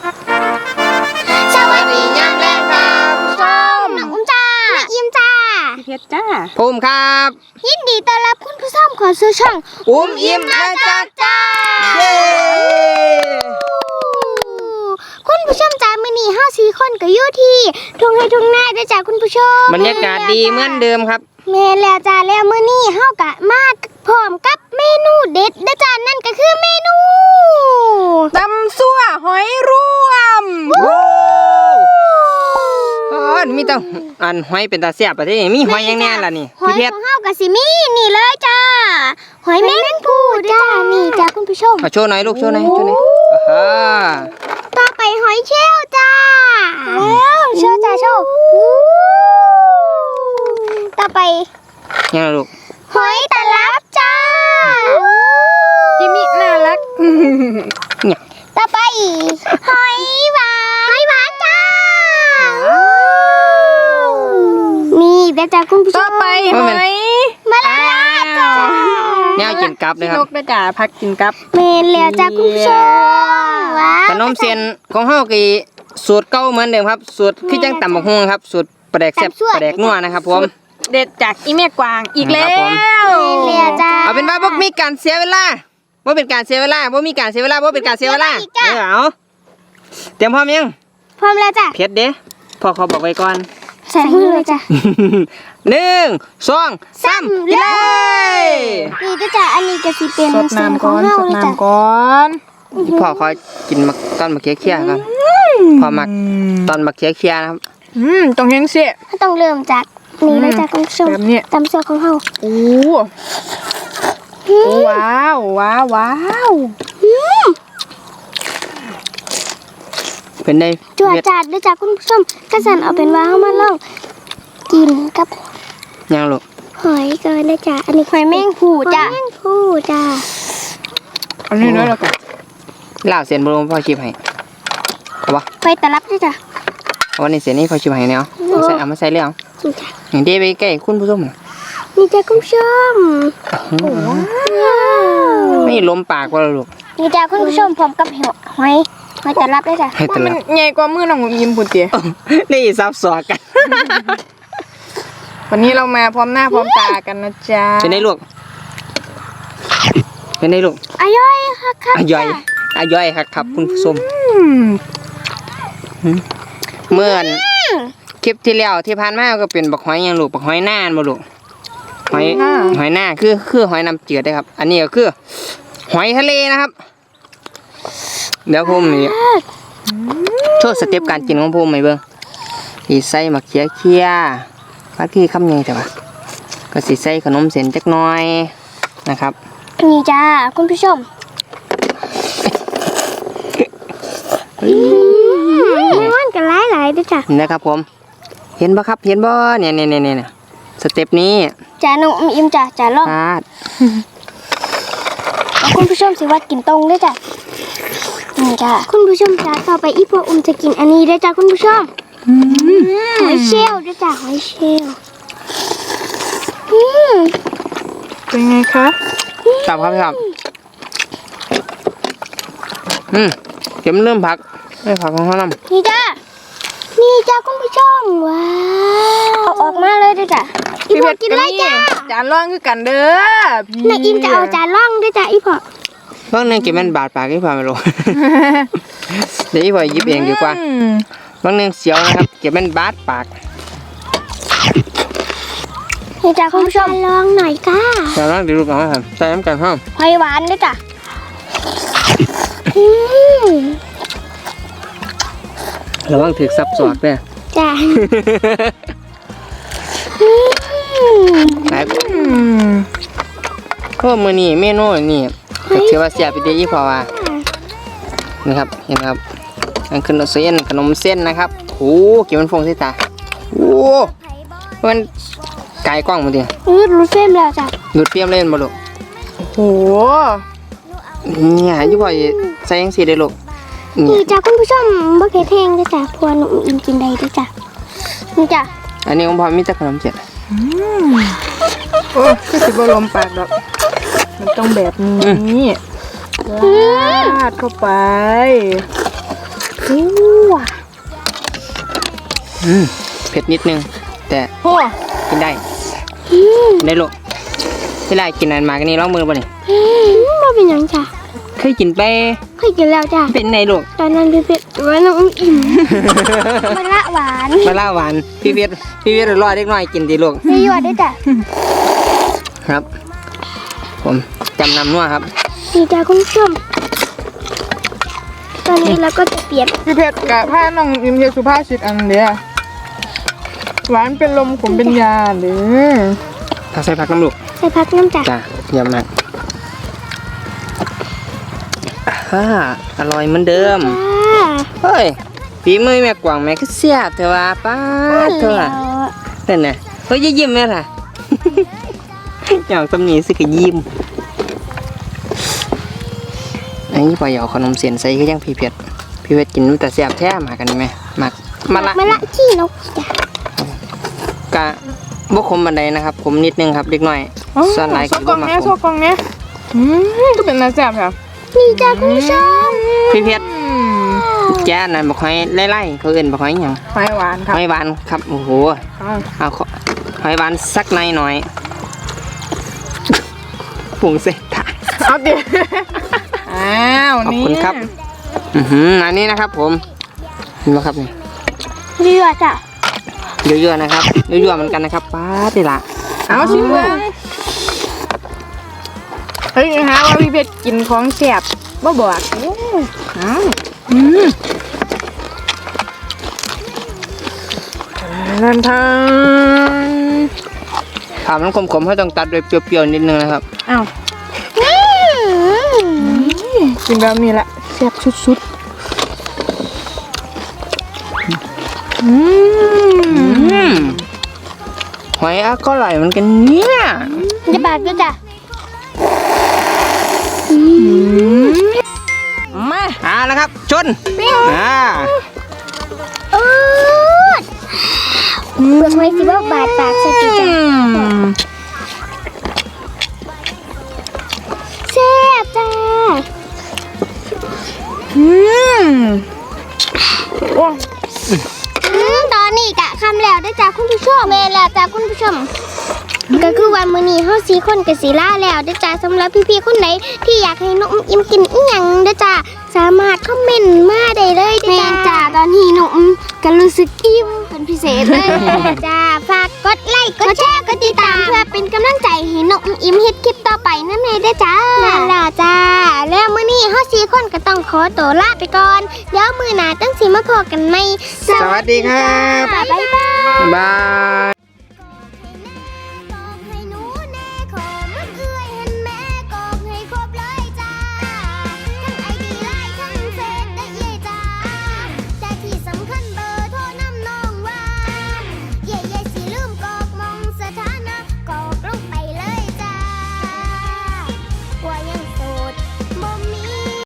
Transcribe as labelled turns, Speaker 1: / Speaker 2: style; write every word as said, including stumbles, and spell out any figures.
Speaker 1: สวัสดียามแรงจ้าผู้ชมน้องอุ้มจ้าแม่อิ่มจ้า
Speaker 2: เพชรจ้า
Speaker 3: ภูมิครับ
Speaker 1: ยินดีต้อนรับคุณผู้ชมขอซื้อช่อง
Speaker 3: อุ้มอิ่มนะจ๊ะ
Speaker 1: จ้า
Speaker 3: เย้
Speaker 1: คุณผู้ชมจ้ามื้อนี้เฮาสี่คนก็อยู่ที่ทุ่งไร่ทุ่งนาเด้อจ้าคุณผู้ชม
Speaker 3: บรรยากาศดีเหมือนเดิมครับ
Speaker 1: แม่นแล้วจ้าแล้วมื้อนี้เฮากะมาพร้อมกับเมนูเด็ดเด้อจ้านั่นก็คือเมนู
Speaker 2: ตำซั่วหอยรวม
Speaker 3: ว้าวมีแต่อันหอยเป็นตาแซ่บประเทศนี้มีหอยยังแน่ล่ะนี่
Speaker 1: หอยของเฮาก็สิมีนี่เลยจ้าหอยแมงภู่จ้านี่จ้าคุณผู้ชม
Speaker 3: โชว์หน่อยลูกโชว์หน่อยโชว์หน่อยอ่า
Speaker 1: ต่อไปหอยเชลล์จ้าแล้วโชว์จ้าโชว์ต่อไป
Speaker 3: ยังลูก
Speaker 1: หอยตลับจ้า
Speaker 2: จิมิน่ารัก
Speaker 3: เนี่ย
Speaker 1: ต่อไปหอยหวานหอยหวานจ้านี่เดี๋ยวจ้าคุณผู้ชม
Speaker 2: ต่อไปหอย
Speaker 1: มะละลาจ้า
Speaker 3: แนวกินกับเลยครับ
Speaker 2: นกด้วยจ้าพักกินกับ
Speaker 1: เมนแล้วจ้าคุณผู้ชม
Speaker 3: ขนมเส้นของเฮากีสูตรเก่าเหมือนเดิมครับสูตรคือจังตำบักหุ่งครับสูตรปลาแดกแซ่บปลาแดกนัวนะครับผม
Speaker 2: เด็ดจากอีแม่กวางอีกแล้ว
Speaker 1: เรียจ้า
Speaker 3: เอาเป็นว่าบ่มีการเสียเวลาบ่เป็นการเสียเวลาบ่มีการเสียเวลาบ่เป็นการเสียเวลาเออเอาเตรียมพร้อมยัง
Speaker 1: พร้อมแล้วจ้ะ
Speaker 3: เผ็ดเด้พ่อเขาบอกไว้ก่อน
Speaker 1: ใส่มือเลยจ้ะ
Speaker 3: หนึ่งสองสามกินเลย
Speaker 1: นี่จ้ะอันนี้จะสิเป็น
Speaker 2: สดน้ำก่อนสดน้ำก่อน
Speaker 3: พ่อเขากินมักตอนมะเขือเคี่ยก่อนพ่อมักตอนมะเขือเคี่ยนะครับ
Speaker 2: อืมต้องเห็นเสีย
Speaker 1: ต้องเริ่มจากนี่เลยจ้ะคุณผู้ชม
Speaker 2: แบบนี้
Speaker 1: ตำซอสของเฮา
Speaker 2: โอ้ว้าวว้าวว้าว
Speaker 3: เป็นได้
Speaker 1: จวดจัดเลยจ้ะคุณผู้ชมกระสันเอาเป็นว่าเฮามาลองกินกับ
Speaker 3: ยังลูก
Speaker 1: หอยก่อนนะจ้ะอันนี้หอยแมงภู่จ้ะหอยแมงภู่จ้ะ
Speaker 2: อันนี้น้อยแล้วกัน
Speaker 3: ลาวเส้นบรมพ่อชิมให้เอาปะ
Speaker 1: หอยตลับด้วยจ้ะ
Speaker 3: วันนี้เส้นนี้พ่อชิมให้เนี่ยเอาใส่เอามาใส่เลยเอาอย่างเดียวไปใกล้คุณผู้ชม
Speaker 1: นี่จ้ะคุณผู้ชม
Speaker 3: ไม่ลมปากว่าลูก
Speaker 1: นี่จ้ะคุณผู้ชมพร้อมกับหอยหอยตลับด้วยจ้ะ
Speaker 2: มันใหญ่กว่ามือน้องยิ้มปุ่นเตี๋ย
Speaker 3: นี่ซับซ้อนกัน
Speaker 2: วันนี้เรามาพร้อมหน้าพร้อมตากันนะจ๊ะ
Speaker 3: เป็นไงลูกเป็นไงลูก
Speaker 1: อร่อยค่ะครับ
Speaker 3: อร่อยอร่อยครับครับคุณผู้ชมเมื่อคลิปที่แล้วที่ผ่านมาก็เป็นบักหอยยังลูกบักหอยน่านบ่ลูกหอยหอยหน้าคือคือหอยน้ำจืดได้ครับอันนี้ก็คือหอยทะเลนะครับเดี๋ยวผมนี่โชว์สเต็ปการกินของผมไหมเบิ้งสีใส่มะเขือเคี่ยพักที่คำยังแต่ว่าก็สีใส่ขนมเส้นจักหน่อยนะครับ
Speaker 1: นี่จ้าคุณผู้ชมมันกันหลายหลายด้วยจ้ะ
Speaker 3: นะครับผมเห็นบ่ครับเห็นบ่เนี่ยเนี่ยเนี่ยเนี่ยสเต็ปนี้
Speaker 1: จ้าน้องอิ่มจ้าจ้าลองคุณผู้ชมสิว่ากินตรงด้วยจ้ะนี่จ้าคุณผู้ชมจ้าต่อไปอีพ่ออุ้มจะกินอันนี้ด้วยจ้าคุณผู้ชมหอยเชลล์ด้วยจ้าหอยเชลล์
Speaker 2: เป็นไงคะ
Speaker 3: ครับครับครับอืมเข็มเริ่มผักไม่ผักของเขาน้ำ
Speaker 1: นี่จ้านี่จ้าคุณผู้ชมว้าวเอาออกมาเลยด้วยจ้ะอีพ่อกินเลยจ้า
Speaker 2: จานร่องคือกันเด้อพี่
Speaker 1: นายอิ่มจะเอาจานร่องด้วยจ้ะอีพ่อบ
Speaker 3: างนึงเก็บมันบาดปากอีพ่อไม่รู้เดี๋ยวอีพ่อยิบเองดีกว่าบางนึงเสียวนะครับเก็บมันบาดปาก
Speaker 1: นี่จ้าคุณผู้ชมลองหน่อยก้า
Speaker 3: จะลองดูก่อนครับใส่น้ำกันห้อง
Speaker 1: หอยหวานด้วยจ้ะ
Speaker 3: ระวังถือซับสอดด้วย
Speaker 1: จ้ะ
Speaker 3: ครับก็มือนี่เมนูนี่ก็เชื่อว่าเสียไปเดียวยี่พอว่านะครับเห็นครับอันขนมเส้นขนมเส้นนะครับโอ้กี่มันฟงใส่ตาโอ้มันไก่กล้องมาดิ
Speaker 1: อืดรูดเฟมแล้วจ้ะ
Speaker 3: ดูดเฟียมเล่นมาลูก
Speaker 2: โอ้
Speaker 3: เนี่ยยี่พอใส่ยังสีได้ลูก
Speaker 1: นี่จ้ะคุณผู้ชมบ่เผ็ดแห้งด้วยจ้ะพวนุ่มอิ่มกินได้ด้วยจ้ะนี่จ้ะ
Speaker 3: อันนี้ของพ่อมีแต่ขนมเจ็ด
Speaker 2: โอ้คือสิบลมปากดอกมันต้องแบบนี้ลาดเข้าไป
Speaker 1: โอ้
Speaker 3: อืมเผ็ดนิดนึง แต่
Speaker 2: โอ้
Speaker 3: กินได้
Speaker 1: อืม
Speaker 3: กินได้ลูกที่ไรกินอันมากันนี่ลองมือป่ะนี่
Speaker 1: อืมบ่เป็นหยังจ้ะ
Speaker 3: เคยกินไป
Speaker 1: เคยกินแล้วจ้ะ
Speaker 3: เป็นไงลูก
Speaker 1: ตอนนั้นพี่เพชรว่าน้องอุ้มอิ่มมันละหวาน
Speaker 3: มาล่าหวานพี่เวียดพี่เวียดรอเล็กน้อยกินดีลูก
Speaker 1: ไม่หยอดด้วยจ้ะ
Speaker 3: ครับ ผมจำนำนัวครับ
Speaker 1: นี่จ้ะคุณผู้ชมตอนนี้เราก็จะเปลี่ยน
Speaker 2: พี่เพชรกะผ้าน้องอิมเฮียสุภาษิตอันเดียหวานเป็นลมขมเป็นยาหรือ
Speaker 3: ถ้าใส่ผักน้ำลูก
Speaker 1: ใส่พักน้ำจ้ะ
Speaker 3: จ้ะเยี่ยมมากฮ่าอร่อยเหมือนเดิม
Speaker 1: จ้า
Speaker 3: เฮ้ยฝีมือแม่กวางแม่คือเสียบเถอะว่าป้าดเถอะนั่นน่ะเฮ้ยอย่ายิ้มแม่ล่ะ อย่างตำหนิสิคือยิ้มอันนี้พอเหยาขนมเสียนใส่ก็ยังพี่เผ็ดพี่เผ็ดกินมันแต่เสียบแท้มากันไหมมักมาละ
Speaker 1: มาละขี้นกจ้ะ
Speaker 3: กะบกขมบันไดนะครับขมนิดนึงครับเล็กน้อยส่วนหลาย
Speaker 2: โซ
Speaker 3: คือก
Speaker 2: ล่
Speaker 3: บ่
Speaker 2: อง
Speaker 3: มัก
Speaker 2: เนี้ย
Speaker 3: ข
Speaker 2: โซ
Speaker 3: ม
Speaker 2: กล่องเนี้ยอืมก็เป็นน้ำแซ่บค่ะ
Speaker 1: นี่จ้ะคุณผู้ชม
Speaker 3: พี่เผ็ด
Speaker 2: อืม
Speaker 3: แจ้นั่นบอกให้ไล่ๆเขาเอื่นบอกให้หยัง
Speaker 2: ไฟหวานครับ
Speaker 3: หอยหวานครับโอ้โห
Speaker 2: อ้าว
Speaker 3: เอาขอหอยหวานสักหน่อยหน่อยปรุงเสร็จถ่าย
Speaker 2: เอาดิอ้าว
Speaker 3: ขอบ
Speaker 2: นี่
Speaker 3: คุณครับ อือหืออันนี้นะครับผมเห็นไหมครับนี่
Speaker 1: เรือจ้ะ
Speaker 3: เยอะๆนะครับเยอะๆเหมือนกันนะครับป้าดนี่ละ
Speaker 2: เอาชิมเลยเฮ้ยฮะว่าพี่เพชรกินของแซ่บบ่บอกโอ้อ้าวอืมนันทาง
Speaker 3: ถามมันขมๆให้ต้องตัดด้วยเปรี้ยวๆนิดนึงนะครับ
Speaker 2: อ้าว
Speaker 1: อืม
Speaker 2: กินแบบนี้แหละแซ่บสุดๆอืม
Speaker 3: อืมหอยอะก็อร่อยเหมือนกันเนี่ย
Speaker 1: จะบาดด้วยจ้ะ
Speaker 3: มาเอาละครับ ชนอ่า
Speaker 1: เออเบิกไว้สิว่าบาดปากใส่จ้ะแซ่บจ้า
Speaker 2: อืมโอ้
Speaker 1: อืมตอนนี้กะคำแล้วได้อจ้าคุณผู้ชมเมแล้วจ้าคุณผู้ชม ก็คือวันมื้อนี้เฮาสี่คนกับสีล่าแล้วเด้อจ้าสำหรับพี่ๆคนไหนที่อยากให้น้องอิ่มกินอีหยังเด้อจ้าสามารถคอมเมนต์มาได้เลยเด้อจ้าจ้าตอนนี้น้องอิ่มก็รู้สึกอิ่มเป็นพิเศษเลยจ้าฝากกดไลค์กดแชร์กดติดตามเพื่อเป็นกำลังใจให้น้องอิ่มเฮ็ดคลิปต่อไปนั่นเองเด้อจ้านั่นล่ะจ้าแล้วมื้อนี้เฮาสี่คนก็ต้องขอตัวลาไปก่อนเดี๋ยวมื้อหน้าตั้งสิมาพบกันใหม่
Speaker 3: สวัสดีครับ
Speaker 1: บ๊ายบาย
Speaker 3: บาย